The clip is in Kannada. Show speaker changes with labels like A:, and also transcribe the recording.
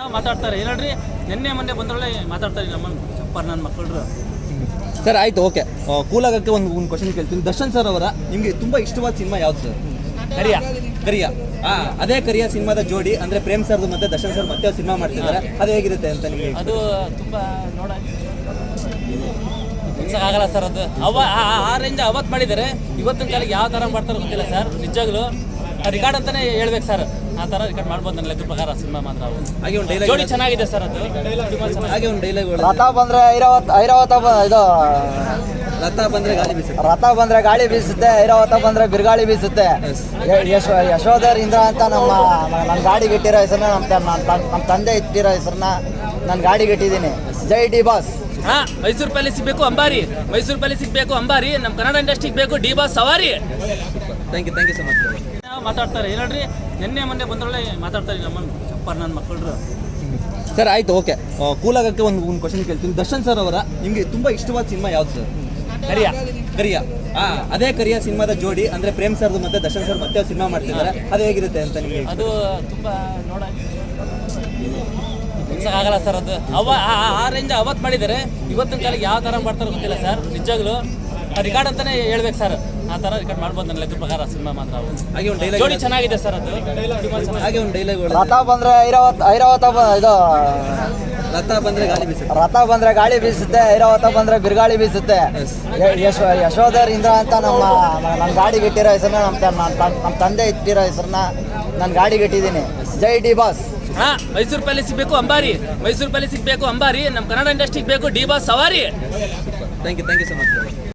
A: ಮಾತಾಡ್ತಾರೆ ಏನಲ್ರಿ ನಿನ್ನೆ ಮೊನ್ನೆ ಬಂದೊಳ್ಳೆ ಮಾತಾಡ್ತಾರೆ ನಮ್ಮ ಚಪ್ಪರ್ ನನ್ನ ಮಕ್ಕಳು.
B: ಸರ್ ಆಯ್ತು, ಓಕೆ. ಕೂಲಾಗಕ್ಕೆ ಒಂದು ಕ್ವಶನ್ ಕೇಳ್ತೀನಿ. ದರ್ಶನ್ ಸರ್ ಅವರ ನಿಮಗೆ ತುಂಬಾ ಇಷ್ಟವಾದ ಸಿನಿಮಾ ಯಾವ್ದು ಸರ್? ಕರಿಯ. ಅದೇ ಕರಿಯ ಸಿನಿಮಾದ ಜೋಡಿ ಅಂದ್ರೆ ಪ್ರೇಮ್ ಸರ್ದು ಮತ್ತೆ ದರ್ಶನ್ ಸರ್ ಮತ್ತೆ ಸಿನಿಮಾ ಮಾಡ್ತಿದ್ದಾರೆ, ಅದು ಹೇಗಿರುತ್ತೆ ಅಂತ ನಿಮಗೆ?
A: ಅದು ತುಂಬಾ ಆಗಲ್ಲ ಸರ್. ಅದು ಆ ರೇಂಜ್ ಅವತ್ತು ಮಾಡಿದ್ದಾರೆ, ಇವತ್ತಿನ ಕಾಲಕ್ಕೆ ಯಾವ ಥರ ಮಾಡ್ತಾರೋ ಗೊತ್ತಿಲ್ಲ ಸರ್. ನಿಜವಾಗ್ಲೂ ರಿಕಾರ್ಡ್ ಅಂತಾನೆ ಹೇಳ್ಬೇಕು ಸರ್. ಆ ಥರ ರಿಕಾರ್ಡ್ ಮಾಡ್ಬೋದು ನನ್ನ ಲೆಕ್ಕ ಪ್ರಕಾರ ಸಿನಿಮಾ ಮಾತ್ರ.
B: ಹಾಗೆ ಒಂದು ಡೈಲಾಗ್
A: ಜೋಡಿ ಚೆನ್ನಾಗಿದೆ ಸರ್. ಅದು
B: ಹಾಗೆ ಒಂದು ಡೈಲಾಗ್
C: ರಥ ಬಂದ್ರೆ ಐರಾವತ ಇದು
B: ರಥ ಬಂದ್ರೆ ಗಾಳಿ ಬೀಸುತ್ತೆ,
C: ರಥ ಬಂದ್ರೆ ಗಾಳಿ ಬೀಸುತ್ತೆ, ಐರಾವತ ಬಂದ್ರೆ ಬಿರುಗಾಳಿ ಬೀಸುತ್ತೆ. ಯಶೋಧರ್ ಇಂದ್ರ ಅಂತ ನನ್ನ ಗಾಡಿಗೆ ಇಟ್ಟಿರೋ ಹೆಸರನ್ನ ನಮ್ಮ ತಂದೆ ಇಟ್ಟಿರೋ ಹೆಸರನ್ನ ನಾನು ಗಾಡಿಗೆ ಇಟ್ಟಿದ್ದೀನಿ. Jai D Boss.
A: Mysuru palace ಸಿಗಬೇಕು ಅಂಬಾರಿ, ಮೈಸೂರು ಪ್ಯಾಲೇಸ್ ಸಿಗಬೇಕು ಅಂಬಾರಿ, ನಮ್ಮ ಕನ್ನಡ ಇಂಡಸ್ಟ್ರಿಗೆ ಬೇಕು ಡಿ ಬಾಸ್ ಸವಾರಿ.
B: Thank you so much.
A: ಮಾತಾಡ್ತಾರೆ ಏನಲ್ರಿ ನಿನ್ನೆ ಮೊನ್ನೆ ಬಂದೊಳ್ಳೆ ಮಾತಾಡ್ತಾರೆ ನಮ್ಮ ಚಪ್ಪರ್ ನನ್ನ ಮಕ್ಕಳು.
B: ಸರ್ ಆಯ್ತು, ಓಕೆ. ಕೂಲಾಗಕ್ಕೆ ಒಂದು ಕ್ವಶನ್ ಕೇಳ್ತೀನಿ. ದರ್ಶನ್ ಸರ್ ಅವರ ನಿಮಗೆ ತುಂಬಾ ಇಷ್ಟವಾದ ಸಿನಿಮಾ ಯಾವ್ದು ಸರ್? ಕರಿಯ. ಅದೇ ಕರಿಯ ಸಿನಿಮಾದ ಜೋಡಿ ಅಂದ್ರೆ ಪ್ರೇಮ್ ಸರ್ದು ಮತ್ತೆ ದರ್ಶನ್ ಸರ್ ಮತ್ತೆ ಸಿನಿಮಾ ಮಾಡ್ತಿದ್ದಾರೆ, ಅದು ಹೇಗಿರುತ್ತೆ ಅಂತ ನಿಮಗೆ?
A: ಅದು ತುಂಬಾ ಆಗಲ್ಲ ಸರ್. ಅದು ಆ ರೇಂಜ್ ಅವತ್ತು ಮಾಡಿದ್ದಾರೆ, ಇವತ್ತಿನ ಕಾಲಕ್ಕೆ ಯಾವ ಥರ ಮಾಡ್ತಾರೋ ಗೊತ್ತಿಲ್ಲ ಸರ್. ನಿಜವಾಗ್ಲೂ ರಿಕಾರ್ಡ್ ಅಂತಾನೆ ಹೇಳ್ಬೇಕು ಸರ್. ಆ ಥರ ರಿಕಾರ್ಡ್ ಮಾಡ್ಬೋದು ನನ್ನ ಲೆಕ್ಕ ಪ್ರಕಾರ ಸಿನಿಮಾ ಮಾತ್ರ.
B: ಹಾಗೆ ಒಂದು ಡೈಲಾಗ್
A: ಜೋಡಿ ಚೆನ್ನಾಗಿದೆ ಸರ್. ಅದು
B: ಹಾಗೆ ಒಂದು ಡೈಲಾಗ್
C: ರಥ ಬಂದ್ರೆ ಐರಾವತ ಇದು
B: ರಥ ಬಂದ್ರೆ ಗಾಳಿ ಬೀಸುತ್ತೆ,
C: ರಥ ಬಂದ್ರೆ ಗಾಳಿ ಬೀಸುತ್ತೆ, ಐರಾವತ ಬಂದ್ರೆ ಬಿರುಗಾಳಿ ಬೀಸುತ್ತೆ. ಯಶೋಧರ್ ಇಂದ್ರ ಅಂತ ನನ್ನ ಗಾಡಿಗೆ ಇಟ್ಟಿರೋ ಹೆಸರನ್ನ ನಮ್ಮ ತಂದೆ ಇಟ್ಟಿರೋ ಹೆಸರನ್ನ ನಾನು ಗಾಡಿಗೆ ಇಟ್ಟಿದ್ದೀನಿ. Jai D Boss.
A: Mysuru palace ಸಿಗಬೇಕು ಅಂಬಾರಿ, ಮೈಸೂರು ಪ್ಯಾಲೇಸ್ ಸಿಗಬೇಕು ಅಂಬಾರಿ, ನಮ್ಮ ಕನ್ನಡ ಇಂಡಸ್ಟ್ರಿಗೆ ಬೇಕು ಡಿ ಬಾಸ್ ಸವಾರಿ.
B: Thank you so much.